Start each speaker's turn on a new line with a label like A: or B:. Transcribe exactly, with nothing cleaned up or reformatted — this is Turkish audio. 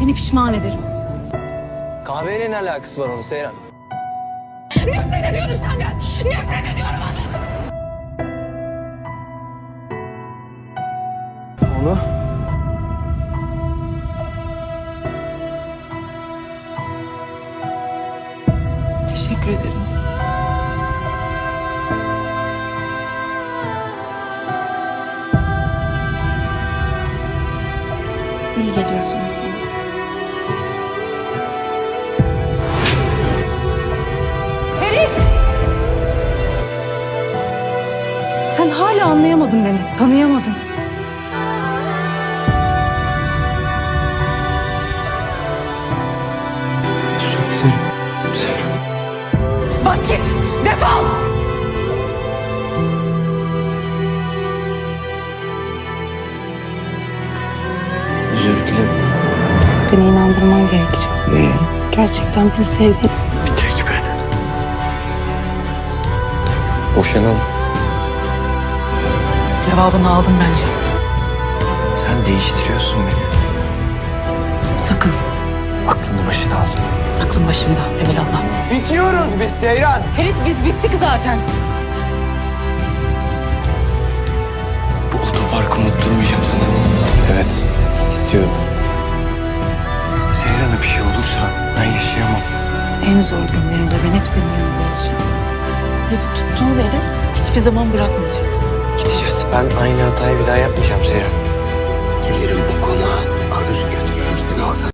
A: seni pişman ederim.
B: Kahveyle ne alakası var onun Seyran?
A: Nefret ediyorum senden. Nefret ediyorum ondan.
B: Onu?
A: Teşekkür ederim. İyi geliyorsunuz sana. Ferit! Sen hala anlayamadın beni, tanıyamadın.
B: Özür dilerim Seyran.
A: Bas git, defol!
B: Özür dilerim.
A: Beni inandırman gerekecek.
B: Neye?
A: Gerçekten beni sevdiğin.
B: Bir tek beni. Boşanalım.
A: Cevabını aldın bence.
B: Sen değiştiriyorsun beni.
A: Sakın.
B: Aklını başına al.
A: Aklın başımda evelallah.
B: Bitiyoruz biz Seyran.
A: Ferit biz bittik zaten.
B: Bu otoparkı unutturmayacağım sana. Evet, istiyorum. Seyran'a bir şey olursa ben yaşayamam.
A: En zor günlerinde ben hep senin yanında olacağım. Ve bu tuttuğun eli hiçbir zaman bırakmayacaksın.
B: Gideceğiz. Ben aynı hatayı bir daha yapmayacağım Seyran.
C: Gelirim bu konağa, alır götürürüm seni oradan.